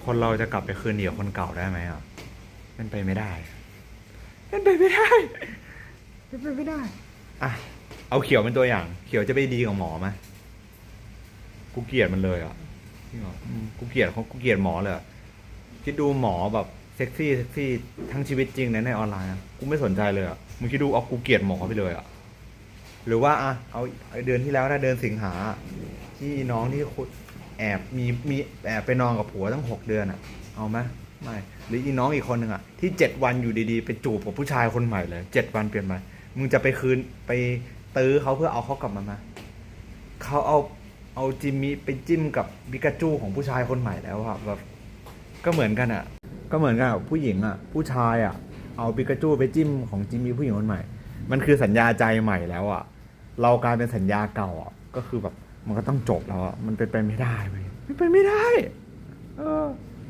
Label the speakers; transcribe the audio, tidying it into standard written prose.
Speaker 1: คนเราจะกลับไปคืนดีกับคนเก่าได้ไหมอ่ะเป็นไปไม่ได้เป็นไปไม่ได้เป็นไปไม่ได้อ่ะเอาเขียวเป็นตัวอย่าง เขียวจะไปดีกับหมอไหมกูเกลียดมันเลยอ่ะจริงเหรอกูเกลียดเขากูเกลียดหมอเลยอะคิดดูหมอแบบเซ็กซี่ทั้งชีวิตจริงในออนไลน์อะกูไม่สนใจเลยอ่ะมึงคิดดูเอากูเกลียดหมอไปเลยอ่ะหรือว่าอ่ะเอาเดือนที่แล้วนะเดือนสิงหาที่น้องที่แอบมีแอบไปนอนกับผัวตั้ง6 เดือนอ่ะเอาไหมไม่หรืออีน้องอีกคนหนึ่งอ่ะที่7 วันอยู่ดีๆไปจูบกับผู้ชายคนใหม่เลย7 วันเปลี่ยนไปมึงจะไปคืนไปตื้อเขาเพื่อเอาเขากลับมาไหมเขาเอาจิมมี่ไปจิ้มกับบิกาจูของผู้ชายคนใหม่แล้วอะแบบก็เหมือนกันอ่ะก็เหมือนกันกับผู้หญิงอ่ะผู้ชายอ่ะเอาบิกาจูไปจิ้มของจิมมี่ผู้หญิงคนใหม่มันคือสัญญาใจใหม่แล้วอ่ะเรากลายเป็นสัญญาเก่าอ่ะก็คือแบบมันก็ต้องจบแล้วอ่ะมันเป็นไปไม่ได้เว้ยเป็นไปไม่ได้เออ